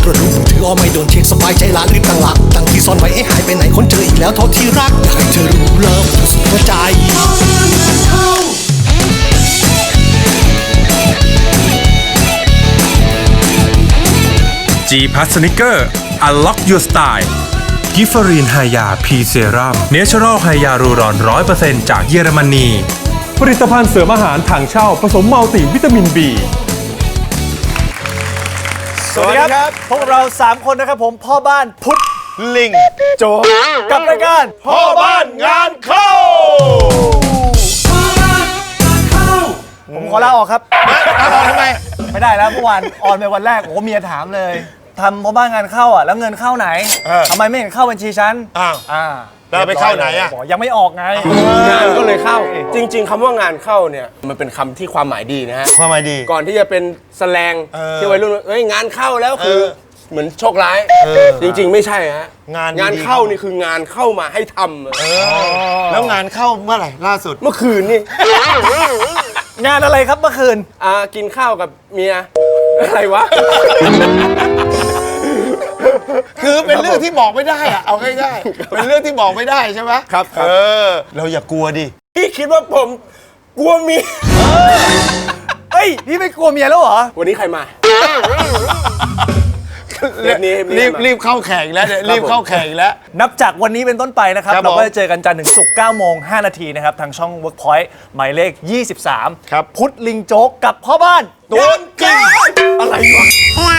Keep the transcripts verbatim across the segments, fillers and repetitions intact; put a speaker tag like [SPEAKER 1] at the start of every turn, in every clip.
[SPEAKER 1] ตรวจดูมือถืออ้อไม่โดนเช็คสบายใจละรีบตั้งหลักตั้งที่ซ่อนไว้เอ๊ะหายไปไหนคนเจออีกแล้วเท่าที่รักอยากให้เธอรู้เลิฟสุดหัวใจ
[SPEAKER 2] G Plus Sneaker Unlock Your Style กิฟฟรีนไฮยาพีเซรัมเนเชอรัลไฮยารูรอน ร้อยเปอร์เซ็นต์ จากเยอรมนีผลิตภัณฑ์เสริมอาหารถังเช่าผสมมัลติวิตามิน B
[SPEAKER 3] สวัสดีครับพวกเราสามคนนะครับผมพ่อบ้านพุทธ
[SPEAKER 4] ลิงโจ
[SPEAKER 3] กับรายการ
[SPEAKER 4] พ่อบ้านงานเข้า
[SPEAKER 3] ผมขอลาออกครับ
[SPEAKER 4] ลาออกทำไม
[SPEAKER 3] ไม่ได้แล้วเมื่อวานออนไปวันแรกโอ้เมียถามเลยทำพ่อบ้านงานเข้าอ่ะแล้วเงินเข้าไหนทำไมไม่เห็นเข้าบัญชีฉัน
[SPEAKER 4] อ้าว
[SPEAKER 3] อ่า
[SPEAKER 4] เราไปเข้าไหนอ่ะ
[SPEAKER 3] ยังไม่ออกไง
[SPEAKER 5] งานก็เลยเข้าจริงๆคำว่างานเข้าเนี่ยมันเป็นคำที่ความหมายดีนะฮะ
[SPEAKER 4] ความหมายดี
[SPEAKER 5] ก่อนที่จะเป็นแสแลงที่วัยรุ่นเอ้ยงานเข้าแล้วคือเหมือนโชคร้ายจริงๆไม่ใช่ฮะ
[SPEAKER 4] งาน
[SPEAKER 5] งานเข้านี่คืองานเข้ามาให้ท
[SPEAKER 4] ำแล้วงานเข้าเมื่อไหร่ล่าสุด
[SPEAKER 5] เมื่อคืนนี่
[SPEAKER 3] งานอะไรครับเมื่อคืน
[SPEAKER 5] อ่ากินข้าวกับเมียอะไรวะ
[SPEAKER 4] คือเป็นเรื่องที่บอกไม่ได้อะเอาง่ายๆเป็นเรื่องที่บอกไม่ได้ใช่ไหม
[SPEAKER 5] ครับ
[SPEAKER 4] เออเราอย่ากลัวดิ
[SPEAKER 5] พี่คิดว่าผมกลัวเมีย
[SPEAKER 3] เฮ้ยพี่ไม่กลัวเมียแล้วเหรอ
[SPEAKER 5] วันนี้ใครมา
[SPEAKER 4] รีบรีบรีบเข้าแข่งแล้วรีบเข้าแข่งแล้ว
[SPEAKER 3] นับจากวันนี้เป็นต้นไปนะครับเราก็จะเจอกันจันทร์ถึงศุกร์เก้าโมงห้านาทีนะครับทางช่อง Workpoint หมายเลขยี่สิบสาม
[SPEAKER 4] ครับ
[SPEAKER 3] พุทธลิงโจ๊กกับพ่อบ้าน
[SPEAKER 4] ตัวจริง
[SPEAKER 5] อะไรวะ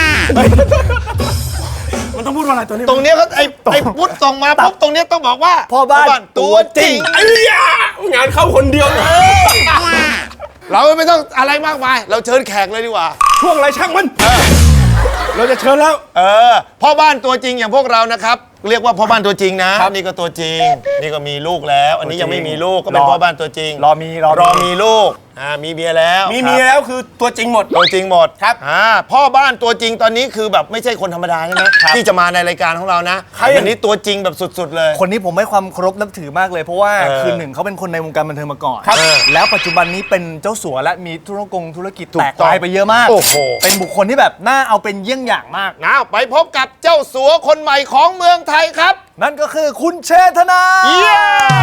[SPEAKER 5] มันต้องพูดว่าอะไรตัวนี้
[SPEAKER 4] ตรงนี้เขาไอ้ไอ้พุทธส่งมาปุ๊บตรงนี้ต้องบอกว่า
[SPEAKER 3] พ่อบ้านตัวจริง
[SPEAKER 5] ไอ้ยางานเข้าคนเดียวเลย
[SPEAKER 4] เราไม่ต้องอะไรมากมายเราเชิญแขกเลยดีกว่า
[SPEAKER 5] ช่วงอะไรช่างมันเราจะเชิญแล้ว
[SPEAKER 4] เออพ่อบ้านตัวจริงอย่างพวกเรานะครับเรียกว่าพ่อบ้านตัวจริงนะนี่ก็ตัวจริงนี่ก็มีลูกแล้วอันนี้ยังไม่มีลูกก็เป็นพ่อบ้านตัวจริง
[SPEAKER 3] รอมี
[SPEAKER 4] รอมีลูกอ่ามีเมียแล้ว
[SPEAKER 5] มีเมียแล้วคือตัวจริงหมด
[SPEAKER 4] ตัวจริงหมด
[SPEAKER 5] ครับ
[SPEAKER 4] อ่าพ่อบ้านตัวจริงตอนนี้คือแบบไม่ใช่คนธรรมดาใช่ไหมที่จะมาในรายการของเรานะอันนี้ตัวจริงแบบสุดๆเลย
[SPEAKER 3] คนนี้ผมให้ความเคารพนับถือมากเลยเพราะว่าคือหนึ่งเขาเป็นคนในวงการบันเทิงมาก่อนแล้วปัจจุบันนี้เป็นเจ้าสัวและมีธุรกงธุรกิจแตกลายไปเยอะมากเป็นบุคคลที่แบบน่าเอาเป็นเยี่ยงอย่างมาก
[SPEAKER 4] นะไปพบกับเจ้าสัวคนใหม่ของเมืองไทยครับ
[SPEAKER 3] นั่นก็คือคุณเชษฐนา
[SPEAKER 4] เย้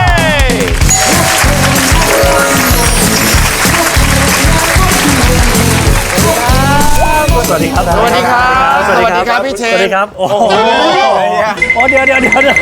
[SPEAKER 3] สวัสดีครับ
[SPEAKER 4] สวัสดีครับสวัสดีครับพี่เชษ
[SPEAKER 3] สวัสดีครับโอ้โหโอ้เดี๋ยวเดี๋ยวเดี๋ยวเดี๋ยว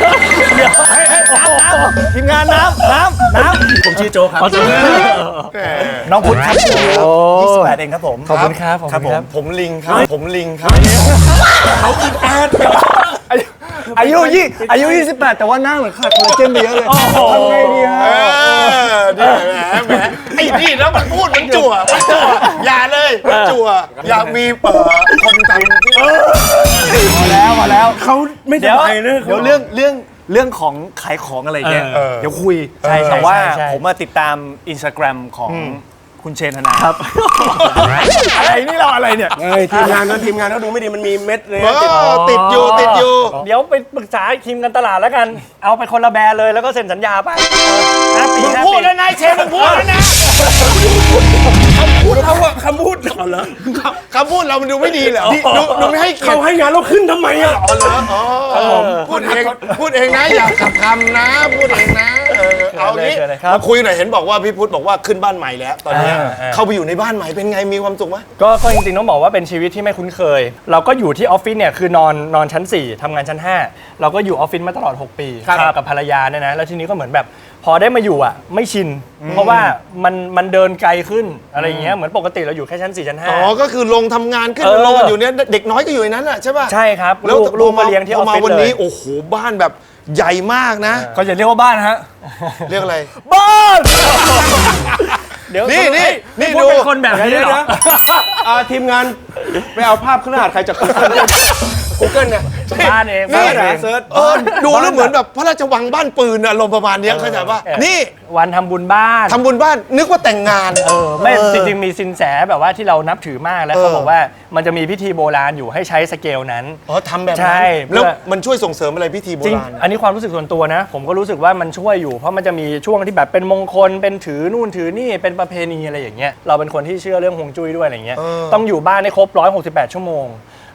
[SPEAKER 3] ทีมงานน้ำน้ำน้ำผมชื่อโจครับน้องพุทธครับยี่สิบแปดเองครับผม
[SPEAKER 5] ขอบคุณครับ
[SPEAKER 3] ครับผม
[SPEAKER 4] ผมลิงครับผมลิงครับ
[SPEAKER 3] เขาคิดแอดอายุยี่อายุยี่สิบแปดแต่ว่าหน้าเหมือนขาดคอลลาเจนไปเยอะเลยทำไงดีฮะ
[SPEAKER 4] แหมแหมไอ้นี่แล้วมันพูดมันจั่วมันจั่วอย่าเลยมันจั่วอยากมีเปิดคนทำ
[SPEAKER 3] พอแล้วพอแล้ว
[SPEAKER 5] เขาไม่สบาย
[SPEAKER 3] เดี๋ยวเรื่องเรื่องเรื่องของขายของอะไรเงี้ยเดี๋ยวคุยแต่ว่าผมมาติดตามอินสตาแกรมของคุณเชษฐนา
[SPEAKER 5] ครับ
[SPEAKER 3] อะไรนี่เราอะไรเนี่ย
[SPEAKER 5] ทีมงานนั้นทีมงานเขาดูไม่ดีมันมีเม็ดเลย
[SPEAKER 4] ติดอยู่ติดอยู่
[SPEAKER 3] เดี๋ยวไปปรึกษาทีมกันตลาดแล้วกันเอาไปคนละแบรนด์เลยแล้วก็เซ็นสัญญาไป
[SPEAKER 4] มึงพูดแล้วนายเชษมึงพูดแล้วนะ
[SPEAKER 5] คำพูดเขาอะคำพูด
[SPEAKER 4] อ๋อเหรอคำพูดเรามันดูไม่ดีเหรอดูดูไม่ให้
[SPEAKER 5] เขาให้งานเราขึ้นทำไมอะ
[SPEAKER 4] อ๋อเหรออ๋อพูดเองพูดเองนะอย่าขับคำนะพูดเองนะเอางี้มาคุยหน่อยเห็นบอกว่าพี่พุทธบอกว่าขึ้นบ้านใหม่แล้วตอนนี้เข้าไปอยู่ในบ้านใหม่เป็นไงมีความสุขไหม
[SPEAKER 3] ก็จริงๆต้องบอกว่าเป็นชีวิตที่ไม่คุ้นเคยเราก็อยู่ที่ออฟฟิศเนี่ยคือนอนนอนชั้นสี่ทำงานชั้นห้าเราก็อยู่ออฟฟิศมาตลอดหกปีกับภรรยาเนี่ยนะแล้วทีนี้ก็เหมือนแบบพอได้มาอยู่อ่ะไม่ชินเพราะว่ามันมันเดินไกลขึ้นอะไรอย่างเงี้ยเหมือนปกติเราอยู่แค่ชั้นสี่ชั้นห้า
[SPEAKER 4] อ๋อก็คือลงทำงานขึ้นลงอยู่เนี่ยเด็กน้อยก็อยู่ในนั้นแหละใช่ป่ะ
[SPEAKER 3] ใช่ครับแล้วลูกมาเลี้ยงที่ออฟฟิศเลย
[SPEAKER 4] มาวันนี้โอ้โหบ้านแบบใหญ่มากนะ
[SPEAKER 3] ก็จะเรียกว่าบ้านฮะ
[SPEAKER 4] เรียกอะไร
[SPEAKER 3] บ้าน
[SPEAKER 4] เดี๋ยวนี่นี่นี่ดู
[SPEAKER 3] เป็นคนแบบนี้นะ
[SPEAKER 5] ทีมงานไปเอาภาพขึ้นหน้าใครจะกูเกิลเนี่ย
[SPEAKER 3] บ้านเอง
[SPEAKER 4] นี่เซิร์ชดูแล้วเหมือนแบบพระราชวังบ้านปืนอารมณ์ประมาณนี้เข้าใจป่ะนี่
[SPEAKER 3] วันทำบุญบ้าน
[SPEAKER 4] ทำบุญบ้านนึกว่าแต่งงาน
[SPEAKER 3] เออไม่จริงๆมีสินแสแบบว่าที่เรานับถือมากแล้วเขาบอกว่ามันจะมีพิธีโบราณอยู่ให้ใช้สเกลนั้น
[SPEAKER 4] อ๋อทำแบบนั้น
[SPEAKER 3] ใช่
[SPEAKER 4] แล้วมันช่วยส่งเสริมอะไรพิธีโบราณ
[SPEAKER 3] อันนี้ความรู้สึกส่วนตัวนะผมก็รู้สึกว่ามันช่วยอยู่เพราะมันจะมีช่วงที่แบบเป็นมงคลเป็นถือนู่นถือนี่เป็นประเพณีอะไรอย่างเงี้ยเราเป็นคนที่เชื่อเรื่องฮวงจุ้ยด้วยอะไรเงี้ยต้องอยู่บ้านให้ครบหนึ่งร้อยหกสิบแปดชั่วโมง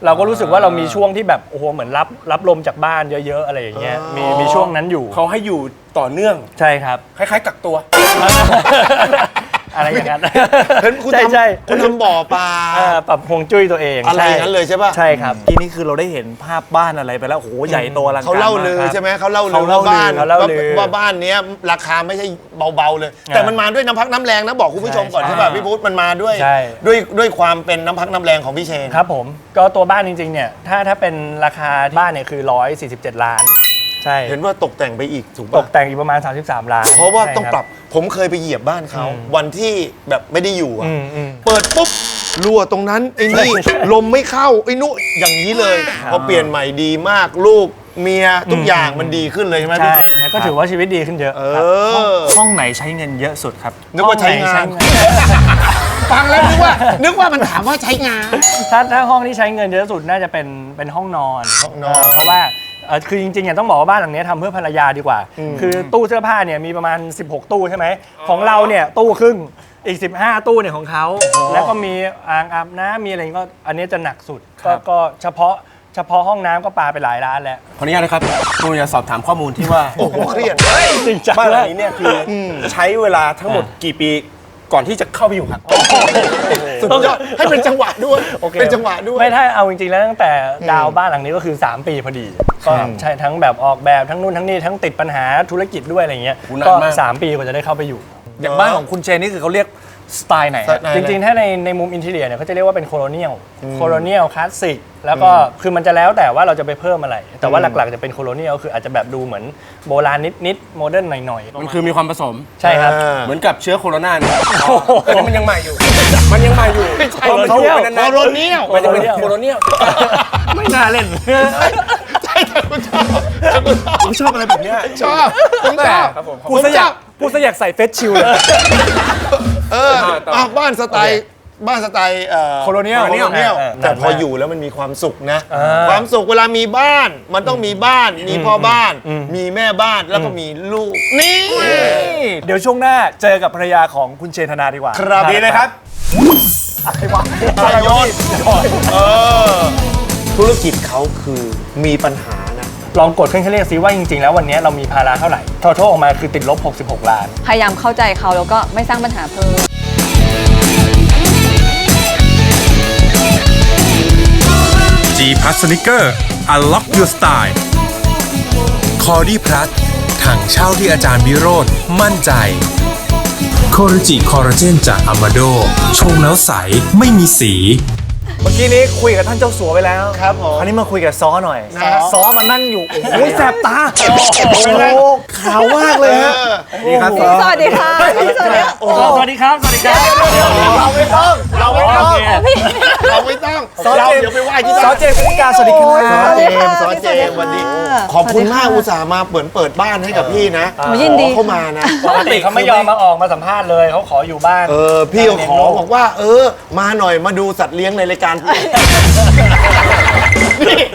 [SPEAKER 3] เราก็รู้สึกว่าเรามีช่วงที่แบบโอ้โหเหมือนรับรับลมจากบ้านเยอะๆอะไรอย่างเงี้ยมีมีช่วงนั้นอยู่
[SPEAKER 5] เขาให้อยู่ต่อเนื่อง
[SPEAKER 3] ใช่ครับ
[SPEAKER 5] คล้ายๆกักตัว
[SPEAKER 3] อะไรอย่างนั้น
[SPEAKER 4] เห็นคุณ
[SPEAKER 3] ใช่
[SPEAKER 4] ท
[SPEAKER 3] ใช่
[SPEAKER 4] ำคุณทำบ่อปลา
[SPEAKER 3] เอ่อปรับฮวงจุ้ยตัวเอง
[SPEAKER 4] อะไรอย่างนั้นเลยใช่ป่ะ
[SPEAKER 3] ใช่ครับ
[SPEAKER 6] ทีนี้คือเราได้เห็นภาพบ้านอะไรไปแล้วโอ้โหใหญ่โตอลังการ
[SPEAKER 4] เขาเล่าลือ
[SPEAKER 6] มกครับ
[SPEAKER 4] ใช่ไหมเขาเล่าลื
[SPEAKER 6] เขา
[SPEAKER 4] อ
[SPEAKER 6] เล่า
[SPEAKER 4] ว่าบ้าน
[SPEAKER 3] เขาเล่าลือ
[SPEAKER 4] ว่าบ้านเนี้ยราคาไม่ใช่เบาๆเลย แต่มันมาด้วยน้ำพักน้ำแรงนะบอกคุณผู้ชมก่อนใช่ป่ะพี่พุทธมันมาด้วย
[SPEAKER 3] ใช่
[SPEAKER 4] ด้วยด้วยความเป็นน้ำพักน้ำแรงของพี่เชน
[SPEAKER 3] ครับผมก็ตัวบ้านจริงๆเนี่ยถ้าถ้าเป็นราคาบ้านเนี่ยคือหนึ่งร้อยสี่สิบเจ็ดล้านใช่
[SPEAKER 4] เห็นว่าตกแต่งไปอีกถูก
[SPEAKER 3] ต
[SPEAKER 4] ป่ะ
[SPEAKER 3] กแต่งอีกประมาณสามสิบสามล้าน
[SPEAKER 4] เพราะว่า
[SPEAKER 3] ใช่
[SPEAKER 4] ต้องปรับผมเคยไปเหยียบบ้านเขาวันที่แบบไม่ได้อยู่อะ
[SPEAKER 3] อืมอืม
[SPEAKER 4] เปิดปุ๊บรั่วตรงนั้นไอ้นี่ลมไม่เข้าไอ้นู้อย่างนี้เลยพอเปลี่ยนใหม่ดีมากลูกเมียทุกอย่างมันดีขึ้นเลยใช่ไหมพี่
[SPEAKER 3] ใช่นะก็ถือว่าชีวิตดีขึ้นเยอะ
[SPEAKER 4] เอ
[SPEAKER 3] ครับ
[SPEAKER 4] อ
[SPEAKER 6] ห้องไหนใช้เงินเยอะสุดครับ
[SPEAKER 4] นึกว่าใช้งาน ฟังแล้วนึกว่า นึกว่ามันถามว่าใช้งาน
[SPEAKER 3] ถ้าถ้าห้องที่ใช้เงินเยอะสุดน่าจะเป็นเป็นห้องนอน
[SPEAKER 4] ห้องนอน
[SPEAKER 3] เเพราะว่าเอ่อคือจริงๆเนี่ยต้องบอกว่าบ้านหลังนี้ทำเพื่อภรรยาดีกว่า คือตู้เสื้อผ้าเนี่ยมีประมาณสิบหกตู้ใช่ไหมของเราเนี่ยตู้ครึ่งอีกสิบห้าตู้เนี่ยของเขาแล้วก็มีอ่างอาบน้ำมีอะไรก็อันนี้จะหนักสุดก็ก็เฉพาะเฉพาะห้องน้ำก็ปาไปหลายล้านแล้ว
[SPEAKER 5] ขออนุญาตนะครับผมอยากสอบถามข้อมูลที่ว่า
[SPEAKER 4] โอ้โหเครียด
[SPEAKER 3] จริงจัง
[SPEAKER 5] บ้านหลังนี้เนี่ยคืออใช้เวลาทั้งหมดกี่ปีก่อนที่จะเข้าไปอยู่ครับ
[SPEAKER 4] สุดยอดให้เป็นจังหวะด้วย
[SPEAKER 3] โอเค
[SPEAKER 4] เป็นจังหวะด้วย
[SPEAKER 3] ไม่ถ้าเอาจริงๆแล้วตั้งแต่ดาวบ้านหลังนี้ก็คือ สาม ปีพอดีก็ใช่ทั้งแบบออกแบบทั้งนู่นทั้งนี่ทั้งติดปัญหาธุรกิจด้วยอะไรเงี้ย
[SPEAKER 5] โอ้นาน
[SPEAKER 3] ก็
[SPEAKER 5] มาก
[SPEAKER 3] สามปีกว่าจะได้เข้าไปอยู่
[SPEAKER 6] อย่างบ้านของคุณเจนนี่คือเขาเรียกสไตล์ไหนฮะ
[SPEAKER 3] จริงๆ ถ้าในในมุมอินทีเรียเนี่ยเขาจะเรียกว่าเป็นโคโลเนียลโคโลเนียลคลาสสิกแล้วก็คือมันจะแล้วแต่ว่าเราจะไปเพิ่มอะไร แต่ว่าหลักๆจะเป็นโคโลเนียลคืออาจจะแบบดูเหมือนโบราณนิดๆโมเดิร์นหน่อยๆ
[SPEAKER 5] มันคือมีความผสม
[SPEAKER 3] ใช่ครับ
[SPEAKER 4] อ่า
[SPEAKER 5] เหมือนกับเชื้อโคโรนาเนี่ยแต่นี่มันยังใหม่อยู่ มันยังใหม่อยู่ไม่ใช่
[SPEAKER 3] โคโรเนียล
[SPEAKER 5] มันนานๆ
[SPEAKER 4] โคโรเนียล
[SPEAKER 5] มันจะเป็นโคโรเนียล
[SPEAKER 3] ไม่น่าเล่น
[SPEAKER 4] ใช่แต่คุณชอบแต่คุณชอบ
[SPEAKER 5] ผมชอบอะไรแบบเนี้ย
[SPEAKER 4] ชอบผมชอบ
[SPEAKER 5] ครับผม
[SPEAKER 6] พูดซะอยากพูดซะอยากใส่เฟสชิลเลย
[SPEAKER 4] เอออ่ะบ้านสไตล์บ้านสไตล์เอ่อ
[SPEAKER 6] โคโลเนียล
[SPEAKER 4] โคโลเนียล
[SPEAKER 3] เออ
[SPEAKER 4] แต่พออยู่แล้วมันมีความสุขนะ ความสุขเวลามีบ้าน มันต้องมีบ้าน มีพ่อบ้าน มีแม่บ้านแล้วก็มีลูก นี่
[SPEAKER 6] เดี๋ยวช่วงหน้าเจอกับภรรยาของคุณเชนธนาดีกว่า
[SPEAKER 4] ครับดีเลยครับอะไรยศเออธุรกิจเขาคือมีปัญหานะ
[SPEAKER 3] ลองกดเครื่องคิดเลขซิว่าจริงๆ แล้ววันนี้เรามีภาระเท่าไหร่ทอทอออกมาคือติดลบหกสิบหกล้าน
[SPEAKER 7] พยายามเข้าใจเขาแล้วก็ไม่สร้างปัญหาเพิ่ม
[SPEAKER 2] G Plus Sneaker Unlock Your Style
[SPEAKER 8] คอดี้พลัสถังเช่าที่อาจารย์วิโรธมั่นใจโคโรจิคอลลาเจนจากอามาโดชงแล้วใสไม่มีสี
[SPEAKER 6] เมื่อกี้นี้คุยกับท่านเจ้าสัวไปแล้ว
[SPEAKER 4] ครับผม
[SPEAKER 6] คราวนี้มาคุยกับซอหน่อย
[SPEAKER 4] นะฮะ
[SPEAKER 6] ซอมานั่งอยู่ โอ้โหแสบตา โอ้โห
[SPEAKER 4] โอ้
[SPEAKER 6] ขาวมากเลยฮะ
[SPEAKER 5] นี่ครับ
[SPEAKER 7] สวัสดีค่ะพี่สวัสดีค่ะโอ้
[SPEAKER 3] สวัสดีครับ สวัสดีครับ
[SPEAKER 4] เราไม่ต้อง เราไม่ต้อง
[SPEAKER 3] โอเค
[SPEAKER 4] เราไม่ต้อง
[SPEAKER 6] ซอ
[SPEAKER 4] เรา
[SPEAKER 6] เจม
[SPEAKER 4] เดี๋ยวไปไหว้ที่
[SPEAKER 6] ซอ
[SPEAKER 4] บ้าน
[SPEAKER 6] เจมส์กนิกาสวัสดีค
[SPEAKER 4] ซ
[SPEAKER 6] รั
[SPEAKER 4] อบ เจมส์ซอเจมส์วันนี้ขอบคุณมากอุตส่าห์มาเปิดเปิดบ้านให้กับพี่นะ
[SPEAKER 7] โหยินดี
[SPEAKER 4] ขอเข้ามานะ
[SPEAKER 3] ปกติเขาไม่ยอมมาออกมาสัมภาษณ์เลยเขาขออยู่บ้าน
[SPEAKER 4] เออพี่ก็ขอบอกว่า เออ มาหน่อยมาดูสัตว์เลี้ยงในรายการพี่นี่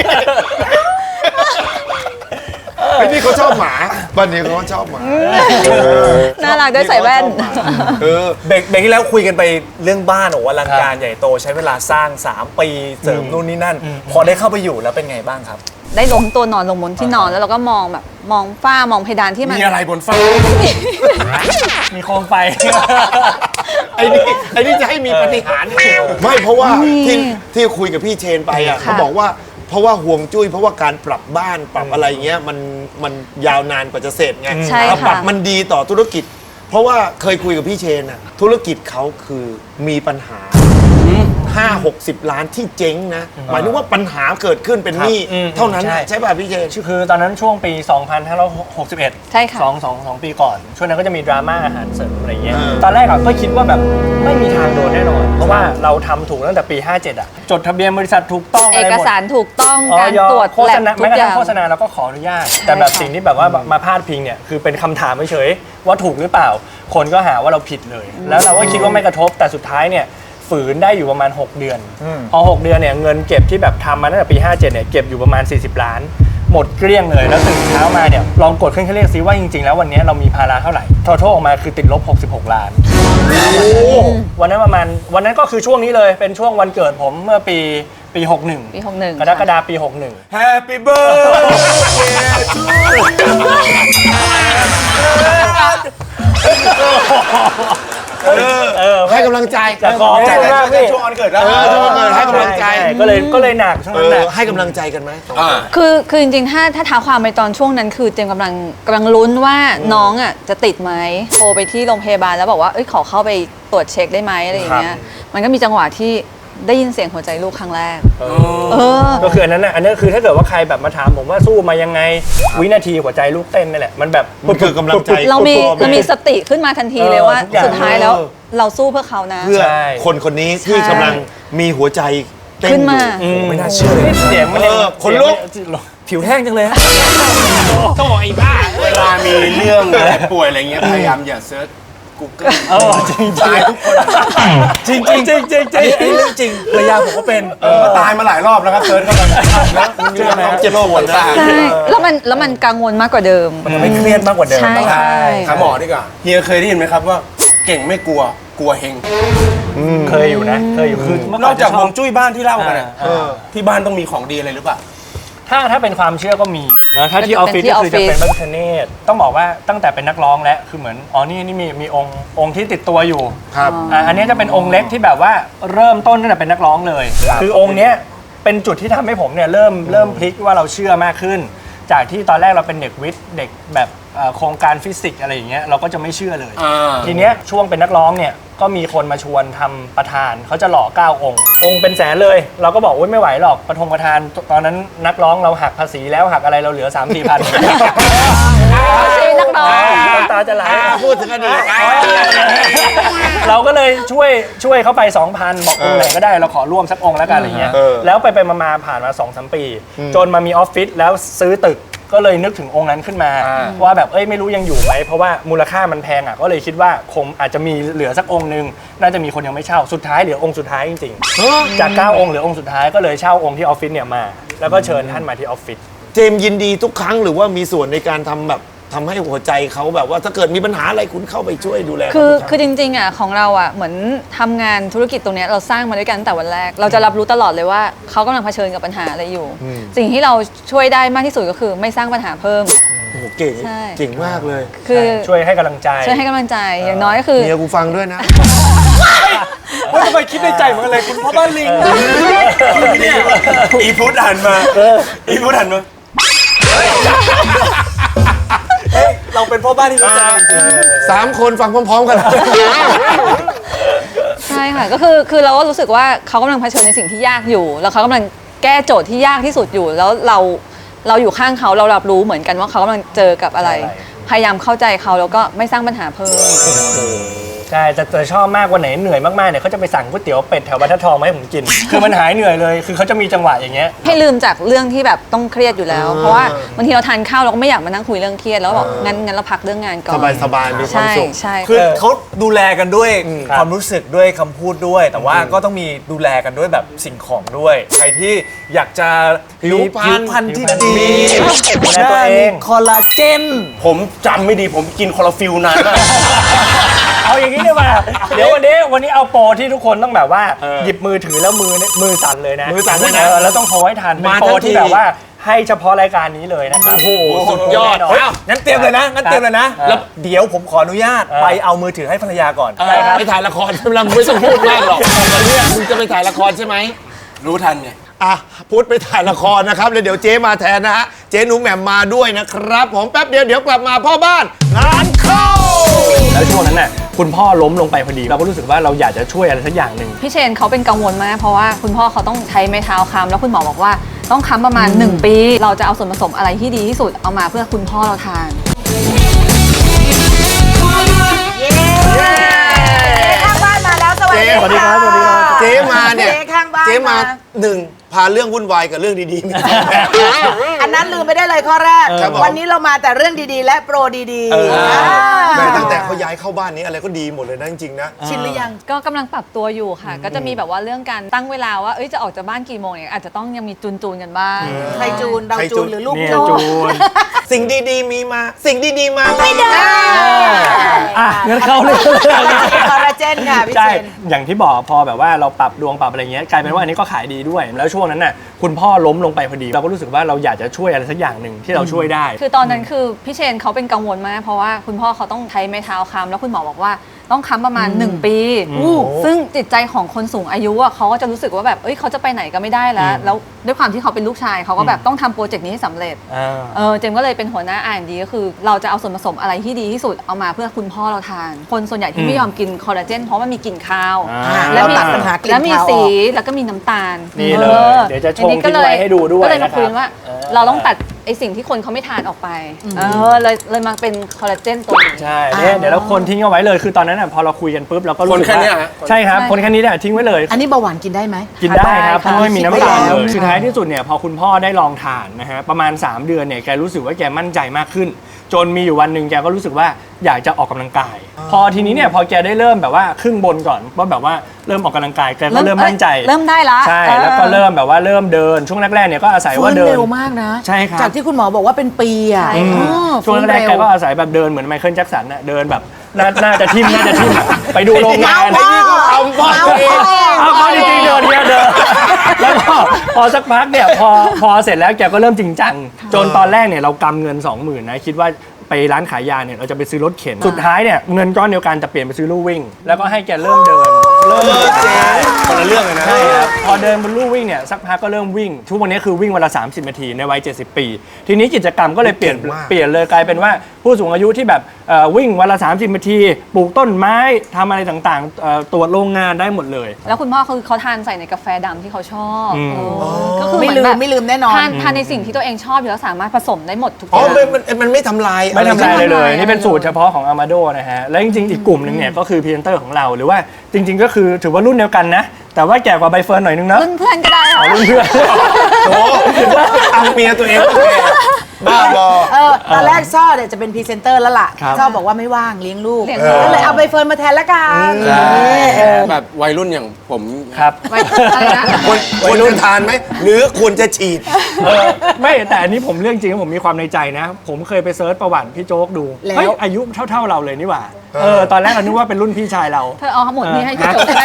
[SPEAKER 4] ไอ้นี่เขาชอบหมาบ้านนี้เขาชอบหมา
[SPEAKER 7] น่ารักด้วยใส่แว่น
[SPEAKER 4] เออ
[SPEAKER 6] เบรกเบรกที่แล้วคุยกันไปเรื่องบ้านโอ้โหอลังการใหญ่โตใช้เวลาสร้าง สาม ปีเสริมนู่นนี่นั่น พอได้เข้าไปอยู่แล้วเป็นไงบ้างครับ
[SPEAKER 7] ได้ล้มตัวนอนลงบนที่นอนแล้วเราก็มองแบบมองฝ้ามองเพดานที่มัน
[SPEAKER 5] มีอะไรบนฟ้า
[SPEAKER 3] มีโคมไฟ
[SPEAKER 4] ไอ้นี่ไอ้นี่จะให้มีปฏิหารย์ไม่เพราะว่าที่ที่คุยกับพี่เชนไปอ่ะเขาบอกว่าเพราะว่าห่วงจุ้ยเพราะว่าการปรับบ้านปรับอะไรเงี้ยมันมันยาวนานกว่าจะเสร็จไง
[SPEAKER 7] ใช่
[SPEAKER 4] แล้วปรับ
[SPEAKER 7] ค่ะ
[SPEAKER 4] มันดีต่อธุรกิจ เพราะว่าเคยคุยกับพี่เชนอ่ะธุรกิจเขาคือมีปัญหาห้าหกสิบล้านที่เจ๊งนะหมายถึงว่าปัญหาเกิดขึ้นเป็นหนี้
[SPEAKER 3] อืม
[SPEAKER 4] เท่านั้น
[SPEAKER 3] ใช่
[SPEAKER 4] ใช่ป่ะพี่เชน
[SPEAKER 3] คือตอนนั้นช่วงปี สองพันห้าร้อยหกสิบเอ็ด
[SPEAKER 7] ใช่ค่ะ
[SPEAKER 3] สองสองสองปีก่อน ช่วงนั้นก็จะมีดราม่าอาหารเสริมอะไรเงี้ย
[SPEAKER 4] เออ
[SPEAKER 3] ตอนแรกอะก็คิดว่าแบบไม่มีทางโดนแน่นอน เพราะว่าเราทำถูกตั้งแต่ปี ห้าเจ็ดอะจดทะเบียนบริษัทถูกต้อง
[SPEAKER 7] เอ
[SPEAKER 3] อะไร
[SPEAKER 7] ก
[SPEAKER 3] หมด
[SPEAKER 7] สารถูกต้อง
[SPEAKER 3] อ๋อ
[SPEAKER 7] การตรวจ
[SPEAKER 3] โฆษณา
[SPEAKER 7] แลบทุ
[SPEAKER 3] แม้
[SPEAKER 7] ก
[SPEAKER 3] กระ
[SPEAKER 7] อ
[SPEAKER 3] ทั่
[SPEAKER 7] ย่าง ง
[SPEAKER 3] โฆษณาเราก็ขออนุญาต แต่แบบ
[SPEAKER 7] ค่ะ
[SPEAKER 3] สิ่งที่แบบว่ามาพาดพิงเนี่ยคือเป็นคำถามเฉยๆว่าถูกหรือเปล่า คนก็หาว่าเราผิดเลย แล้วเราก็คิดว่าไม่กระทบแต่สุดท้ายเนี่ยฝืนได้อยู่ประมาณ หก เดือน พอ หก เดือนเนี่ยเงินเก็บที่แบบทำมาตั้งแต่ปี ห้าเจ็ดเนี่ยเก็บอยู่ประมาณ สี่สิบ ล้าน หมดเกลี้ยงเลยแล้วตื่นเช้ามาเนี่ยลองกดเครื่องคิดเลขซิว่าจริงๆแล้ววันนี้เรามีภาระเท่าไหร่ทอทอออกมาคือติดลบหกสิบหกล้าน วันนั้นประมาณวันนั้นก็คือช่วงนี้เลยเป็นช่วงวันเกิดผมเมื่อปีปีหกสิบเอ็ด
[SPEAKER 7] ปีหกสิบเอ็ด
[SPEAKER 3] กรกฎาคมปีหกสิบเอ็ด
[SPEAKER 5] Happy birthday to you
[SPEAKER 3] เออ
[SPEAKER 4] ให้กำลังใจ
[SPEAKER 3] จะขอ
[SPEAKER 5] ใจ
[SPEAKER 3] ให้
[SPEAKER 5] มาก
[SPEAKER 3] าก
[SPEAKER 5] พี่
[SPEAKER 3] พี่
[SPEAKER 5] ช่วงวันเกิดแล้ว
[SPEAKER 4] เออช่วงวันเกิดให้กำลังใจ
[SPEAKER 3] ช่ก็เลยก็เลยหนักช่วง
[SPEAKER 4] เอ
[SPEAKER 3] นั้นหนั
[SPEAKER 4] อก ให้กำลังใจกันไหม
[SPEAKER 5] อ่า
[SPEAKER 7] คือคือจริงๆ ถ้าถ้าท้าความไปตอนช่วงนั้นคือเจมส์กำลังกำลังลุ้นว่าน้องอ่ะจะติดไหมโทรไปที่โรงพยาบาลแล้วบอกว่าเอ้ยขอเข้าไปตรวจเช็คได้ไหมอะไรอย่างเงี้ยมันก็มีจังหวะที่ได้ยินเสียงหัวใจลูกครั้งแรก เออ
[SPEAKER 3] ก็คืออันนั้นน่ะอันนั้นคือถ้าเกิดว่าใครแบบมาถามผมว่าสู้มายังไงวินาทีหัวใจลูกเต้นนี่แหละมันแบบ
[SPEAKER 4] มันคือกำลังใจ
[SPEAKER 7] เรามีเรามีสติขึ้นมาทันทีเลยว่า
[SPEAKER 3] ทุกอย่าง
[SPEAKER 7] สุดท้ายแล้วเราสู้เพื่อเขานะ
[SPEAKER 4] เพื่อ
[SPEAKER 3] ใช่
[SPEAKER 4] คนคนนี้ที่กำลังมีหัวใจเต้น
[SPEAKER 7] ขึ้น
[SPEAKER 4] อ
[SPEAKER 7] มา
[SPEAKER 4] ยู่
[SPEAKER 3] ไม่น่าเชื่อเลยเสียงมันยัง
[SPEAKER 4] เออขนลุก
[SPEAKER 3] เสียงมัน
[SPEAKER 6] ผิวแห้งจังเลยฮะ
[SPEAKER 5] เวลามีเรื่องอะไรป่วยอะไรเงี้ยพยายามอย่าเซิร์ช Google
[SPEAKER 3] เออจริงๆ
[SPEAKER 5] ตายทุกคน
[SPEAKER 6] จริงจริงจริงจริงจริงไอ้เรื่องจริงภรรยาผมก็เป็น
[SPEAKER 5] ก็ตายมาหลายรอบแล้วครับเซิร์ชเข้าไปแล้วมันมีน้องเจ็บปวดตา
[SPEAKER 7] ใช่แล้วมันแล้วมันกังวลมากกว่าเดิม
[SPEAKER 6] มันทำให้เครียดมากกว่าเดิม
[SPEAKER 7] ใช่
[SPEAKER 6] ต้องหา
[SPEAKER 7] ใช่
[SPEAKER 5] หาหมอดีกว่าเฮียเคยได้ยินไหมครับว่าเก่งไม่กลัวกลัวเฮง
[SPEAKER 3] เคยอยู่นะเคยอยู่คือเมื่
[SPEAKER 5] นอกจากฮวงจุ้ยบ้านที่เล่ากัน
[SPEAKER 3] อ่า
[SPEAKER 5] อะ
[SPEAKER 3] เออ
[SPEAKER 5] ที่บ้านต้องมีของดีอะไรหรือเปล่า
[SPEAKER 3] ถ้าถ้าเป็นความเชื่อก็มีนะถ้าที่ออฟฟิศ
[SPEAKER 7] เป็นที่
[SPEAKER 3] ก็คือจะ
[SPEAKER 7] ออฟฟิศ
[SPEAKER 3] เป็นพระพิฆเนศต้องบอกว่าตั้งแต่เป็นนักร้องแล้วคือเหมือนอ๋อนี่นี่มีมีองค์องค์ที่ติดตัวอยู่
[SPEAKER 4] ครับ
[SPEAKER 3] อ่าอันนี้จะเป็นองค์เล็กที่แบบว่าเริ่มต้นตั้งแต่เป็นนักร้องเลย คือองค์เนี้ยเป็นจุดที่ทำให้ผมเนี่ยเริ่มเริ่มพลิกว่าเราเชื่อมากขึ้น จากที่ตอนแรกเราเป็นเด็กวิทย์เด็กแบบเอ่อโครงการฟิสิกส์อะไรอย่างเงี้ยเราก็จะไม่เชื่อเลย
[SPEAKER 5] อ่า
[SPEAKER 3] ทีเนี้ยช่วงเป็นนักร้องเนี่ยก็มีคนมาชวนทำประธานเขาจะหล่อเก้าองค์ องค์เป็นแสนเลย เราก็บอกโอ๊ยไม่ไหวหรอกประทงประธานตอนนั้นนักร้องเราหักภาษีแล้วหักอะไรเราเหลือ สามสี่พัน
[SPEAKER 7] นักร้อง
[SPEAKER 3] น้ำตาจะไหล
[SPEAKER 4] พูดถึงอดีต
[SPEAKER 3] เราก็เลยช่วยช่วยเขาไป สองพัน บอกองค์ไหนก็ได้เราขอร่วมสักองค์แล้วกันอะไรเงี้ย
[SPEAKER 4] เออ
[SPEAKER 3] แล้วไปไปมาๆผ่านมา สองสาม ปี จนมามีออฟฟิศแล้วซื้อตึกก็เลยนึกถึงองค์นั้นขึ้นมา ว่าแบบเอ้ยไม่รู้ยังอยู่ไหมเพราะว่ามูลค่ามันแพงอ่ะก็เลยคิดว่าคงอาจจะมีเหลือสักองค์นึงน่าจะมีคนยังไม่เช่าสุดท้ายเหลือองค์สุดท้ายจริงๆจากเก้าองค์เหลือองค์สุดท้ายก็เลยเช่าองค์ที่ออฟฟิศเนี่ยมาแล้วก็เชิญท่านมาที่ออฟฟิศ
[SPEAKER 4] เจมส์ยินดีทุกครั้งหรือว่ามีส่วนในการทำแบบทำให้หัวใจเขาแบบว่าถ้าเกิดมีปัญหาอะไรคุณเข้าไปช่วยดูแล
[SPEAKER 7] คือ
[SPEAKER 4] เขาทุกรั้ง
[SPEAKER 7] คือจริงๆอ่ะของเราอ่ะเหมือนทำงานธุรกิจตรงเนี้ยเราสร้างมาด้วยกันตั้งแต่วันแรก เราจะรับรู้ตลอดเลยว่าเขากำลังเผชิญกับปัญหาอะไรอยู่ สิ่งที่เราช่วยได้มากที่สุดก็คือไม่สร้างปัญหาเพิ่ม
[SPEAKER 4] โอ้โหเก่ง
[SPEAKER 7] ใช่
[SPEAKER 4] เก่งมากเลย
[SPEAKER 7] คือ
[SPEAKER 3] ช่วยให้กำลังใจ
[SPEAKER 7] ช่วยให้กำลังใจอย่างน้อยก็คือ
[SPEAKER 4] เมียกูฟังด้วยนะ
[SPEAKER 6] ว่าทำไมคิดในใจเหมือนกันเลยคุณพ่อบ้านลิง
[SPEAKER 5] อีพุทธหันมาอีพุทธหันมา
[SPEAKER 6] เฮ้ยเราเป็นพ่อบ้านที่รู้ใจจริง
[SPEAKER 4] สามคนฟังพร้อมๆกัน
[SPEAKER 7] ใช่ค่ะก็คือคือเราก็รู้สึกว่าเขากำลังเผชิญในสิ่งที่ยากอยู่ แล้วเขากำลังแก้โจทย์ที่ยากที่สุดอยู่ แล้วเราเราอยู่ข้างเขาเรารับรู้เหมือนกันว่าเขากำลังเจอกับอะไร พยายามเข้าใจเขาแล้วก็ไม่สร้างปัญหาเพิ่ม
[SPEAKER 3] ใช่แต่แต่ชอบมากวันไหนเหนื่อยมากๆเนี่ยเขาจะไปสั่งก๋วยเตี๋ยวเป็ดแถวบรรทัดทองมาให้ผมกิน คือมันหายเหนื่อยเลย คือเขาจะมีจังหวะอย่างเงี้ย
[SPEAKER 7] ให้ลืมจากเรื่องที่แบบต้องเครียดอยู่แล้ว เพราะว่าบางทีเราทานข้าวเราก็ไม่อยากมานั่งคุยเรื่องเครียดแล้วก็บอกงั้นงั้นเราพักเรื่องงานก่อน
[SPEAKER 4] สบายสบายๆมีความ
[SPEAKER 7] ใช่
[SPEAKER 4] สุข
[SPEAKER 7] ใช่
[SPEAKER 6] ๆคือเขาดูแลกันด้วย
[SPEAKER 3] ครับ
[SPEAKER 6] ความรู้สึกด้วยคำพูดด้วย แต่ว่าก็ต้องมีดูแลกันด้วยแบบสิ่งของด้วย ใครที่อยากจะ
[SPEAKER 4] ผิวพรรณ
[SPEAKER 6] ผิวพรรณที่ดี
[SPEAKER 3] ดูแลตัวเอง
[SPEAKER 6] คอลลาเจน
[SPEAKER 5] ผมจำไม่ดีผมกินคอลลาฟิลนานมาก
[SPEAKER 3] เอาอย่างนี้ดีกว่าเดี๋ยววันนี้วันนี้เอาโปรที่ทุกคนต้องแบบว่าหยิบมือถือแล้วมือเนี่ยมือสั่นเลยนะ
[SPEAKER 4] มือสั่นด้วยนะ
[SPEAKER 3] เออแล้วต้องโทรให้ทันเป็น
[SPEAKER 4] มา
[SPEAKER 3] โปร
[SPEAKER 4] ทั้งที
[SPEAKER 3] ที่แบบว่าให้เฉพาะรายการนี้เลยนะครับ
[SPEAKER 4] โอ้โหสุดยอด
[SPEAKER 3] แน่นน
[SPEAKER 6] เฮ้ยงั้นเตรียมเลยนะ งั้นเตรียมเลยนะ แล้วเดี๋ยวผมขออนุญาต
[SPEAKER 3] เออ
[SPEAKER 6] ไปเอามือถือให้ภรรยาก่อน
[SPEAKER 4] ไปถ่ายละครใช่ไหมล่ะมึงไม่ต้องพูดมากหรอกเนี่ยมึงจะไปถ่ายละครใช่ไหม
[SPEAKER 5] รู้ทันไง
[SPEAKER 4] อ่ะพุทธไปถ่ายละครนะครับแล้วเดี๋ยวเจ๊มาแทนนะฮะเจ๊หนูแหม่มมาด้วยนะครับผมแป๊บเดียวเดี๋ยวกลับมาพ่อบ้านงานเข้า
[SPEAKER 3] แล้วช่วงนั้นน่ะคุณพ่อล้มลงไปพอดีเราก็รู้สึกว่าเราอยากจะช่วยอะไรสักอย่างหนึ่ง
[SPEAKER 7] พี่เชนเขาเป็นกังวลมากเพราะว่าคุณพ่อเขาต้องใช้ไม้เท้าค้ำแล้วคุณหมอบอกว่าต้องค้ำประมาณหนึ่งปี เราจะเอาส่วนผสมอะไรที่ดีที่สุดเอามาเพื่อคุณพ่อเราทาน
[SPEAKER 9] ข้างบ้านมาแล้วสวัสดี
[SPEAKER 4] เจ๊
[SPEAKER 3] สวัสดีครับสวัสดีครับ
[SPEAKER 4] เจ๊มาเนี่ย
[SPEAKER 9] เจ๊ข้างบ้าน
[SPEAKER 4] เจ๊มาหนึ่งพาเรื่องวุ่นวายกับเรื่องดีๆมา
[SPEAKER 9] อันนั้นลืมไปได้เลยข้อแรก
[SPEAKER 4] ครับผม
[SPEAKER 9] วันนี้เรามาแต่เรื่องดีๆ และโปรดี
[SPEAKER 4] เออ
[SPEAKER 9] ๆอ่า
[SPEAKER 4] แม่ตั้งแต่เขาย้ายเข้าบ้านนี้อะไรก็ดีหมดเลยนะจริงๆนะ
[SPEAKER 9] ชินหรือยัง
[SPEAKER 7] ก็กำลังปรับตัวอยู่ค่ะ ก็จะมีแบบว่าเรื่องการตั้งเวลาว่าเอ้ยจะออกจากบ้านกี่โมงเนี่ยอาจจะต้องยังมีจูนจูนๆกันบ้าง
[SPEAKER 9] ใครจูนเรา
[SPEAKER 4] ใครจู
[SPEAKER 9] จู
[SPEAKER 4] น
[SPEAKER 9] นหรือลูก
[SPEAKER 3] เนี่ย
[SPEAKER 9] จูน
[SPEAKER 3] จูน
[SPEAKER 4] สิ่งดีๆมีมา สิ่งดีๆมา
[SPEAKER 9] ไม่ได้
[SPEAKER 3] อ่ะเงินเข้าเลย
[SPEAKER 9] คอลลาเจนค่ะพี่
[SPEAKER 3] ใช่
[SPEAKER 9] เชน
[SPEAKER 3] อย่างที่บอกพอแบบว่าเราปรับดวงปรับอะไรเงี้ยกลายเป็นว่าอันนี้ก็ขายดีด้วย แล้วช่วงนั้นน่ะคุณพ่อล้มลงไปพอดีเราก็รู้สึกว่าเราอยากจะช่วยอะไรสักอย่างหนึ่งที่เราช่วยได้
[SPEAKER 7] คือตอนนั้นคือพี่เชนเขาเป็นกังวลมากเพราะว่าคุณพ่อเขาต้องใช้ไม้เท้าค้ำแล้วคุณหมอบอกว่าต้องค้ำประมาณ หนึ่ง ปีซึ่งจิตใจของคนสูงอายุอ่ะเขาก็จะรู้สึกว่าแบบเอ้ยเขาจะไปไหนก็ไม่ได้แล้ว แล้วด้วยความที่เขาเป็นลูกชายเขาก็แบบต้องทำโปรเจกต์นี้ให้สำเร็จ
[SPEAKER 3] อ่า
[SPEAKER 7] เออเจมส์ก็เลยเป็นหัวหน้า อาร์ แอนด์ ดี ก็คือเราจะเอาส่วนผสมอะไรที่ดีที่สุดเอามาเพื่อคุณพ่อเราทาน คนส่วนใหญ่ที่ไม่ยอมกินคอลลาเจนเพราะมันมีกลิ่นคาว
[SPEAKER 3] อ่า
[SPEAKER 9] เราตัดปัญหากลิ่น
[SPEAKER 7] แล้วมี
[SPEAKER 9] คาวออก
[SPEAKER 7] สีแล้วก็มีน้ำตาล
[SPEAKER 3] นี่เลย
[SPEAKER 7] ออ
[SPEAKER 3] เดี๋ยวจะชง
[SPEAKER 7] อันนี้ก็เล
[SPEAKER 3] ทิ้งไว้ให้ดูด้วย
[SPEAKER 7] ก็เลยมา
[SPEAKER 3] นะครับ
[SPEAKER 7] คุยว่า
[SPEAKER 3] เออ
[SPEAKER 7] เราต้องตัดไอสิ่งที่คนเขาไม่ทานออกไปเออเลยเลยมาเป็นคอลลาเจนตัวนี้
[SPEAKER 3] ใช่เนี่ยเดี๋ยวเราคนทิ้งเอาไว้เลยคือตอนนั้นน่ะพอเราคุยกันปุ๊บเราก็รู้สึก
[SPEAKER 5] คนแค่
[SPEAKER 3] ว่า
[SPEAKER 5] เนี้ยฮะ
[SPEAKER 3] ใช่ครับ
[SPEAKER 7] ใช่
[SPEAKER 3] คนแค่นี้เนี่ยทิ้งไว้เลย
[SPEAKER 9] อันนี้เบาหวานกินได้ไหม
[SPEAKER 3] กินได้ครับเพราะไม่มีน้ำตาล
[SPEAKER 9] ได้
[SPEAKER 3] เลยสุดท้ายที่สุดเนี่ยพอคุณพ่อได้ลองทานนะฮะประมาณ สาม เดือนเนี่ยแกรู้สึกว่าแกมั่นใจมากขึ้น จนมีอยู่วันหนึ่งแกก็รู้สึกว่าอยากจะออกกำลังกาย พอทีนี้เนี่ยพอแกได้เริ่มแบบว่าครึ่งบนก่อนว่าแบบว่าเริ่มออกกำลังกายแกก็เริ่มมั่นใจ
[SPEAKER 7] เริ่มได้ละ
[SPEAKER 3] ใช่
[SPEAKER 7] เออ
[SPEAKER 3] แล้วก็เริ่มแบบว่าเริ่มเดินช่วงแรกๆเนี่ยก็อาศัยว่า
[SPEAKER 9] ฟื้น
[SPEAKER 3] เดิน
[SPEAKER 9] เร็วมากนะ
[SPEAKER 3] ใช่ครับ
[SPEAKER 9] จากที่คุณหมอบอกว่าเป็นปีอ่ะ
[SPEAKER 7] ใช่
[SPEAKER 3] อืม
[SPEAKER 9] อ๋อ
[SPEAKER 3] ช่วงแรกๆแก
[SPEAKER 9] ฟื้นเ
[SPEAKER 3] ก็อาศัยแบบเดินเหมือนไมเคิลแจ็คสันน่ะเดินแบบน่าน่าจะทิ่มน่าจะทิ่มไปดูโรงงาน
[SPEAKER 9] ไอ้นี่ก็เอาพ่อเอง
[SPEAKER 3] เอาเขาจริงๆเดินเนี่ยเดินแล้วก็พอสักพักเนี่ยพอพอเสร็จแล้วแกก็เริ่มจริงจังจนตอนแรกเนี่ยเรากำเงิน สองหมื่น นะคิดว่าไปร้านขายยาเนี่ยเราจะไปซื้อรถเข็นสุดท้ายเนี่ยเงินก้อนเดียวกันจะเปลี่ยนไปซื้อลู่วิ่ง แล้วก็ให้แกเริ่มเดินเริ่มเดิน
[SPEAKER 5] คนละเรื่องเลยนะ
[SPEAKER 3] ใช่ครับพอเดินบนลู่วิ่งเนี่ยสักพักก็เริ่มวิ่งทุกวันนี้คือวิ่งวันละสามสิบนาทีในวัยเจ็ดสิบปี ทีนี้กิจกรรมก็เลยเปลี่ยน
[SPEAKER 4] เก่งมาก
[SPEAKER 3] เปลี่ยนเลยกลายเป็นว่าผู้สูงอายุที่แบบเอ่อวิ่งวันละสามสิบนาทีปลูกต้นไม้ทำอะไรต่างๆเอ่อตรวจโรงงานได้หมดเลย
[SPEAKER 7] แล้วคุณพ่อคือเขาทานใส่ในกาแฟดำที่เขาชอบ
[SPEAKER 3] อืม
[SPEAKER 7] เออก็คือ
[SPEAKER 9] ไม่
[SPEAKER 7] เห
[SPEAKER 9] ลื
[SPEAKER 7] อน
[SPEAKER 9] ม
[SPEAKER 7] แบบ
[SPEAKER 9] ไม่ลืมแน่นอน
[SPEAKER 7] ทานทานในสิ่งที่ตัวเองชอบอยู่แล้วสามารถผสมได้หมดทุกอ
[SPEAKER 4] อ๋อย่าง มันมันมันไม่ทำลาย
[SPEAKER 3] ไม่ทำลาย
[SPEAKER 4] อะ
[SPEAKER 3] เล
[SPEAKER 4] ร
[SPEAKER 3] ยเลย
[SPEAKER 7] ไม่ทำลาย
[SPEAKER 3] นี่เป็นสูตรเฉพาะของอามาโดนะฮะ และจริงๆ อีกกลุ่มหนึ่งเนี่ยก็คือพรีเซนเตอร์ของเรา หรือว่าจริงๆ ก็คือถือว่ารุ่นเดียวกันนะ แต่ว่าแก่กว่าใบเฟิร์นหน่อยนึงนะ
[SPEAKER 7] รุ่นเพื่อนก็ได้ค่ะ
[SPEAKER 3] รุ่นเพื่อน
[SPEAKER 4] โอ้เอาเมียตัวเองมาแก่บ้าบอ
[SPEAKER 9] เออตอนแรกซ่อเนี่ยจะเป็นพรีเซนเตอร์แล้วล่ะ
[SPEAKER 3] ครับ
[SPEAKER 9] ซ่อบอกว่าไม่ว่างเลี้ยงลูก
[SPEAKER 7] เลี้ยงลูก
[SPEAKER 9] ก็เลยเอาใบเฟิร์นมาแทนละกัน
[SPEAKER 3] ใช่
[SPEAKER 9] เออ
[SPEAKER 5] แบบวัยรุ่นอย่างผม
[SPEAKER 3] ครับ
[SPEAKER 7] ไม่อะไรนะ
[SPEAKER 4] ควรควรจะทานไหมหรือควรจะฉีด
[SPEAKER 3] เออไม่แต่อันนี้ผมเรื่องจริงผมมีความในใจนะ ผมเคยไปเซิร์ชประวัติพี่โจ๊กดู
[SPEAKER 9] แล้ว
[SPEAKER 3] เฮ้ยอายุเท่าๆเราเลยนี่หว่าเออตอนแรกเรานึกว่าเป็นรุ่นพี่ชายเรา
[SPEAKER 7] เธอเอาทั้งหมดนี้ให้พี่
[SPEAKER 3] ฮะ
[SPEAKER 7] โจ๊กได้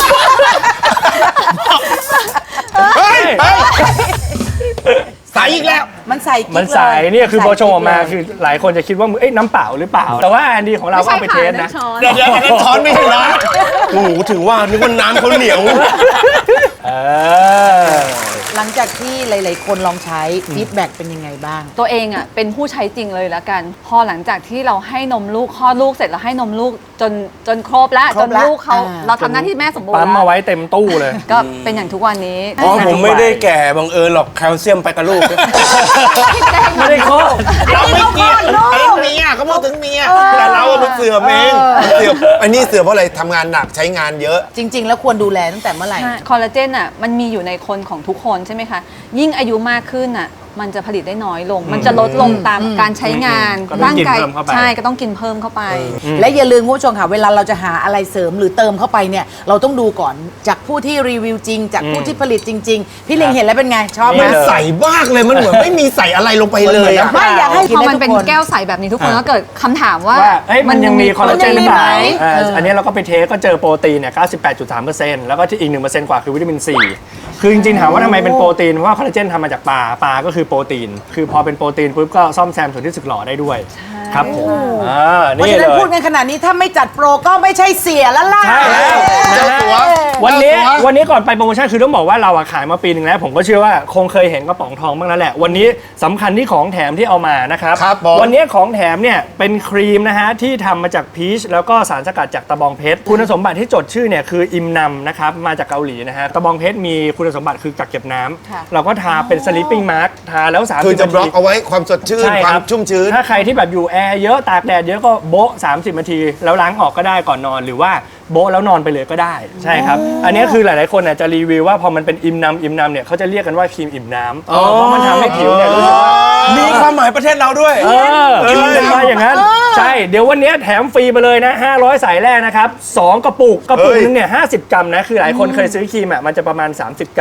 [SPEAKER 4] เฮ้ยเฮ้ยใส่อีกแล้ว
[SPEAKER 9] มันใส่กิ๊ก
[SPEAKER 3] มันใส
[SPEAKER 9] เลย
[SPEAKER 3] เนี่ยคือพอโชว์ออกมา
[SPEAKER 9] ใส่กิ๊กเลย
[SPEAKER 3] คือหลายคนจะคิดว่าเอ้ยน้ำเปล่าหรือเปล่า แต่ว่าอันดีของเราก็เอาไปเทสนะ
[SPEAKER 4] เดี๋ยวเดี๋ยวอันนั้นช้อนไม่ใช่น้ำโอ้โหถึงว่านึกว่าน้ำเขาเหนียว
[SPEAKER 3] เออ
[SPEAKER 9] หลังจากที่หลาย ๆ คนลองใช้ฟีดแบ็กเป็นยังไงบ้าง
[SPEAKER 7] ตัวเองอ่ะเป็นผู้ใช้จริงเลยแล้วกัน พอหลังจากที่เราให้นมลูกคลอดลูกเสร็จแล้วให้นมลูกจนจนครบแล้ว
[SPEAKER 9] คร
[SPEAKER 7] จ
[SPEAKER 9] บ
[SPEAKER 7] น
[SPEAKER 9] แล้ว
[SPEAKER 7] ลูกเขา
[SPEAKER 9] อ่า
[SPEAKER 7] เราทำหน้าที่แม่สมบูรณ์
[SPEAKER 3] ปั๊มมา
[SPEAKER 7] แล้ว
[SPEAKER 3] ไว้เต็มตู้เลย
[SPEAKER 7] ก็เป็นอย่างทุกวันนี้
[SPEAKER 5] อ๋อผมไม่ได้แก่บังเอิญหรอกแคลเซียมไปกับลูก
[SPEAKER 3] ไม่ได้โคตร
[SPEAKER 4] เราไม่เกี่ยวอันนั้นเมียเขาพูดถึงเมียแต่เราอะมันเสื่อมเองเสื่อมอันนี้เสื่อมเพราะอะไรทำงานหนักใช้งานเยอะ
[SPEAKER 9] จริง ๆ แล้วควรดูแลตั้งแต่เมื่อไหร่
[SPEAKER 7] ใช่คอลลาเจนอ่ะมันมีอยู่ในคนของทุกคนใช่ไหมคะ ยิ่งอายุมากขึ้นอ่ะมันจะผลิตได้น้อยลง มันจะลดลงตามการใช้งาน
[SPEAKER 3] ก็ต้อง
[SPEAKER 7] ร่าง
[SPEAKER 3] กิน
[SPEAKER 7] กาย
[SPEAKER 3] เพิ่มเข้าไป
[SPEAKER 7] ใช่ก็ต้องกินเพิ่มเข้าไป
[SPEAKER 9] และอย่าลืมคุณผู้ชมค่ะ เวลาเราจะหาอะไรเสริมหรือเติมเข้าไปเนี่ย เราต้องดูก่อนจากผู้ที่รีวิวจริง จากผู้ที่ผลิตจริง ๆ พี่เล็งเห็นแล้วเป็นไง ชอบไหม
[SPEAKER 3] นี่เลย
[SPEAKER 4] ใส่มากเลยมันเหมือนไม่มีใส่อะไรลงไปเลยอะ
[SPEAKER 9] ไม่อยากให้
[SPEAKER 7] พอมันเป็นแก้วใสแบบนี้ทุกคนก็เกิดคำถามว่า
[SPEAKER 3] ว่าเอ้ยมันยังมีคอลลาเจนหรือเปล่า
[SPEAKER 7] มันยังมีไหม
[SPEAKER 3] เอ่ออันนี้เราก็ไปเทสก็เจอโปรตีนเนี่ย เก้าสิบแปดจุดสามเปอร์เซ็นต์ แล้วก็ที่อีก หนึ่งเปอร์เซ็นต์ กว่าคือวิตามินซี คือจริงๆถามว่าทำไมเป็นโปรตีน เพราะว่าคอลลาเจนทำมาจากปลา ปลาก็คือโปรตีน คือพอเป็นโปรตีนปุ๊บก็ซ่อมแซมส่วนที่สึกหรอได้ด้วย ครับผมอ่า
[SPEAKER 9] เพราะ
[SPEAKER 3] นี่
[SPEAKER 9] ฉะ
[SPEAKER 3] เล
[SPEAKER 9] นั้น
[SPEAKER 3] ย
[SPEAKER 9] พูดกันขนาดนี้ถ้าไม่จัดโปรก็ไม่ใช่เสียแล้วล่ะ
[SPEAKER 3] ใช่แล้วนะฮะ
[SPEAKER 4] เจ้าตัว
[SPEAKER 3] วันนี้
[SPEAKER 4] เจ้าตัว
[SPEAKER 3] วันนี้ก่อนไปโปรโมชั่นคือต้องบอกว่าเราอะขายมาปีหนึ่งแล้ว ผมก็เชื่อว่าคงเคยเห็นกระป๋องทองบ้างแล้วแหละ วันนี้สำคัญที่ของแถมที่เอามานะครับ
[SPEAKER 4] ครับผม
[SPEAKER 3] วันนี้ของแถมเนี่ยเป็นครีมนะฮะที่ทำมาจากพีชแล้วก็สารสกัดจากตะบองเพชรคุณสมบัติที่จดชื่อเนี่ยคืออิมนัมนะครับมาจากเกาหลีนะฮะตะบองเพชรมีคุณสมบัติคือกักเก็บน้ำ
[SPEAKER 7] ค่ะ
[SPEAKER 3] เราก็ทาเป็นสลิปปิ้งมาร์กทาแล้วสามสิบ
[SPEAKER 4] คือจะ
[SPEAKER 3] นา
[SPEAKER 4] บล็อก
[SPEAKER 3] ที
[SPEAKER 4] เอาไว้ความสดชื่น
[SPEAKER 3] ใช่
[SPEAKER 4] ควา
[SPEAKER 3] ค
[SPEAKER 4] ม
[SPEAKER 3] รับ
[SPEAKER 4] ชุ่มชื้น
[SPEAKER 3] ถ้าใครที่แบบอยู่แอร์เยอะตากแดดเยอะก็โบ๊ะสามสิบนาที แล้วล้างออกก็ได้ก่อนนอนหรือว่าโบ๊ะแล้วนอนไปเลยก็ได้ใช่ครับอันนี้คือหลายๆคนน่ะจะรีวิวว่าพอมันเป็นอิมน้ำอิมน้ำเนี่ยเขาจะเรียกกันว่าครีมอิ่มน้ำเพราะมันทำให้ผิวเนี่ยรู้สึกว่า
[SPEAKER 5] มีความหมายประเทศเราด้วย
[SPEAKER 3] เออกินเป็นมาอย่างนั้น ใช่ เดี๋ยววันนี้แถมฟรีไปเลยนะ ห้าร้อยสายแรกนะครับ สองกระปุก กระปุก
[SPEAKER 4] เฮ้ย
[SPEAKER 3] นึงเนี่ยห้าสิบกรัมนะ คือหลายคนเคยซื้อครีมอ่ะ มันจะประมาณ สามสิบ กรัม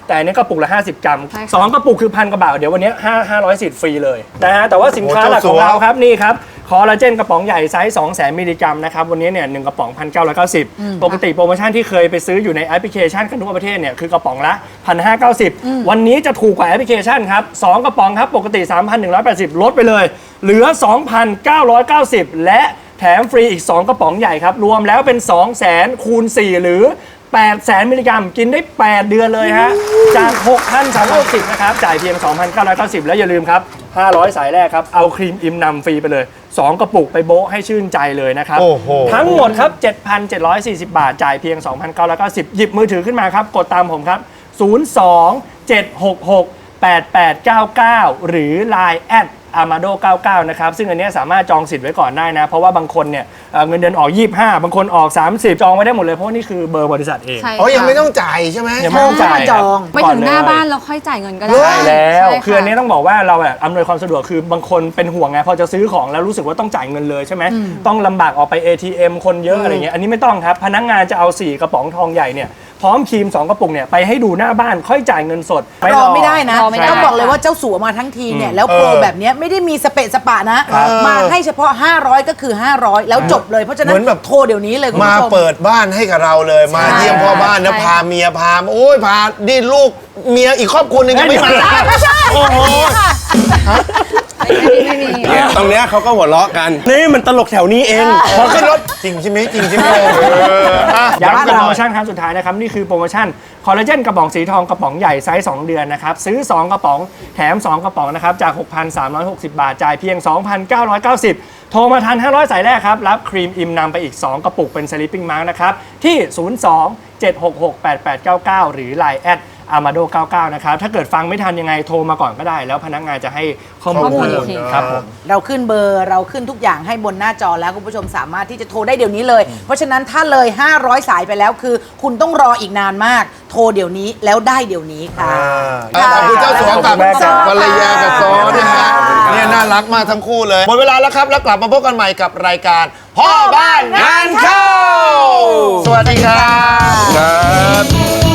[SPEAKER 3] แต่อันนี้กระปุกละห้าสิบกรัม
[SPEAKER 7] ใช่ค่ะ
[SPEAKER 3] สองกระปุกคือพันกว่าบาทเดี๋ยววันนี้ห้า ห้าร้อยสิทธิ์ฟรีเลยนะฮะแต่ว่าสินค้าหลักของเราครับนี่ครับคอลลาเจนกระป๋องใหญ่ไซส์สองแสนมิลลิกรัมนะครับวันนี้เนี่ยหนึ่งกระป๋อง หนึ่งพันเก้าร้อยเก้าสิบ ปกติโปรโมชั่นที่เคยไปซื้ออยู่ในแอปพลิเคชันกันทั่วประเทศเนี่ยคือกระป๋องละ หนึ่งพันห้าร้อยเก้าสิบ วันนี้จะถูกกว่าแอปพลิเคชันครับสองกระป๋องครับปกติ สามพันหนึ่งร้อยแปดสิบ ลดไปเลยเหลือ สองพันเก้าร้อยเก้าสิบ และแถมฟรีอีกสองกระป๋องใหญ่ครับรวมแล้วเป็น สองแสน คูณ สี่ หรือแปดแสนมิลลิกรัมกินได้แปดเดือนเลยฮะจาก หกพันสามร้อยหกสิบ นะครับจ่ายเพียง สองพันเก้าร้อยเก้าสิบ แล้วอย่าลืมครับห้าร้อยสายแรกครับเอาครีมอิมนำฟรีไปเลยสองกระปุกไปโบ๊ะให้ชื่นใจเลยนะครับ
[SPEAKER 4] โอ้โห
[SPEAKER 3] ทั้งหมดครับ เจ็ดพันเจ็ดร้อยสี่สิบ บาทจ่ายเพียง สองพันเก้าร้อยเก้าสิบ หยิบมือถือขึ้นมาครับกดตามผมครับศูนย์ สอง เจ็ด หก หก แปด แปด เก้า เก้า หรือ ไลน์ แอท อามาโด เก้าสิบเก้า นะครับซึ่งอันเนี้ยสามารถจองสิทธิ์ไว้ก่อนได้นะเพราะว่าบางคนเนี่ยเอ่อเงินเดือนออกยี่สิบห้าบางคนออกสามสิบจองไว้ได้หมดเลยเพราะว่านี่คือเบอร์บริษัทเอง
[SPEAKER 7] ใช่
[SPEAKER 4] อ๋อยัง
[SPEAKER 7] ค่ะ
[SPEAKER 4] ไม่ต้องจ่ายใช่ไหม
[SPEAKER 3] ยังไม่ต้องจ่าย
[SPEAKER 9] จอง
[SPEAKER 7] ไปถึงหน้าบ้านแล้วค่อยจ่ายเงินก็ได้
[SPEAKER 3] ใช่แล้ว
[SPEAKER 7] ใช่ะ
[SPEAKER 3] คืออันนี้ต้องบอกว่าเราแบบอำนวยความสะดวกคือบางคนเป็นห่วงไงพอจะซื้อของแล้วรู้สึกว่าต้องจ่ายเงินเลยใช่ไหมต้องลำบากออกไป เอ ที เอ็ม คนเยอะอะไรเงี้ยอันนี้ไม่ต้องครับพนักงานจะเอาสี่กระป๋องทองใหญ่เนี่ยพร้อมครีมสองกระปุกเนี่ยไปให้ดูหน้าบ้านค่อยจ่ายเงินสด
[SPEAKER 9] รอไม่ได้นะ
[SPEAKER 7] รอไม่ได้
[SPEAKER 9] ต้องบอกเลยว่าเจ้าสัวมาทั้งทีเนี่ยแล้วโปรแบบเนี้ยไม่ได้มีสเปะสปะนะ มาให้เฉพาะ ห้าร้อย ก็คือ ห้าร้อย แล้วจบเลยเพราะฉะนั้น
[SPEAKER 4] เหมือนแบบ
[SPEAKER 9] โทรเดี๋ยวนี้เลยคุณ
[SPEAKER 4] มา
[SPEAKER 9] ผู้ชม
[SPEAKER 4] เปิดบ้านให้กับเราเลยมาเยี่ยมพ่อบ้านนะ
[SPEAKER 7] ใช่
[SPEAKER 4] พาเมียพาโอ้ยพาดิลูกเมียอีกครอบครัวหนึงยังไม่มา
[SPEAKER 9] ไม่ใช่
[SPEAKER 4] โอ้โห
[SPEAKER 7] ไม่มี
[SPEAKER 5] เนี่ยตรงเนี้ยเขาก็หัวเราะกัน นี่มันตลกแถวนี้เอง
[SPEAKER 4] พอขึ้นรถจริงใช่ไหมจริงใช่ไหมเอออ่ะ
[SPEAKER 3] ย้ำ
[SPEAKER 4] ย้ำ
[SPEAKER 3] โป
[SPEAKER 4] กัน
[SPEAKER 3] ร
[SPEAKER 4] หน่
[SPEAKER 3] โม
[SPEAKER 4] อย
[SPEAKER 3] ชั่นครั้งสุดท้ายนะครับ นี่คือโปรโมชั่นคอลลาเจนกระป๋องสีทองกระป๋องใหญ่ไซส์สองเดือนนะครับ ซื้อ สอง กระป๋องแถม สอง กระป๋องนะครับ จาก หกพันสามร้อยหกสิบ บาท จ่ายเพียง สองพันเก้าร้อยเก้าสิบ โทรมาทัน ห้าร้อย สายแรกครับ รับครีมอิมนำไปอีก สอง กระปุกเป็น Sleeping Mask นะครับ ที่ ศูนย์ สอง เจ็ด หก หก แปด แปด เก้า เก้า หรือ ไลน์ แอท อามาโด เก้าสิบเก้า นะครับ ถ้าเกิดฟังไม่ทันยังไงโทรมาก่อนก็ได้ แล้วพนักงานจะให้ข้อมูล
[SPEAKER 7] ข้อมูล
[SPEAKER 3] เพิ่ม
[SPEAKER 7] อีกที
[SPEAKER 3] ครับผม
[SPEAKER 9] เราขึ้นเบอร์เราขึ้นทุกอย่างให้บนหน้าจอแล้วคุณผู้ชมสามารถที่จะโทรได้เดี๋ยวนี้เลย เพราะฉะนั้นถ้าเลย ห้าร้อย สายไปแล้วคือ คุณต้องรออีกนานมาก โทรเดี๋ยวนี้แล้วได้เดี๋ยวนี้ค่ะ
[SPEAKER 4] อ่ะขอบคุณเจ้าสัวกับ
[SPEAKER 3] ขอบคุณมากครับ
[SPEAKER 4] ภรรยากับซอนะฮะเนี่ยน่ารักมากทั้งคู่เลยหมดเวลาแล้วครับแล้วกลับมาพบกันใหม่กับรายการพ่อบ้านงานเข้า สวัสดีครับ
[SPEAKER 5] ครับ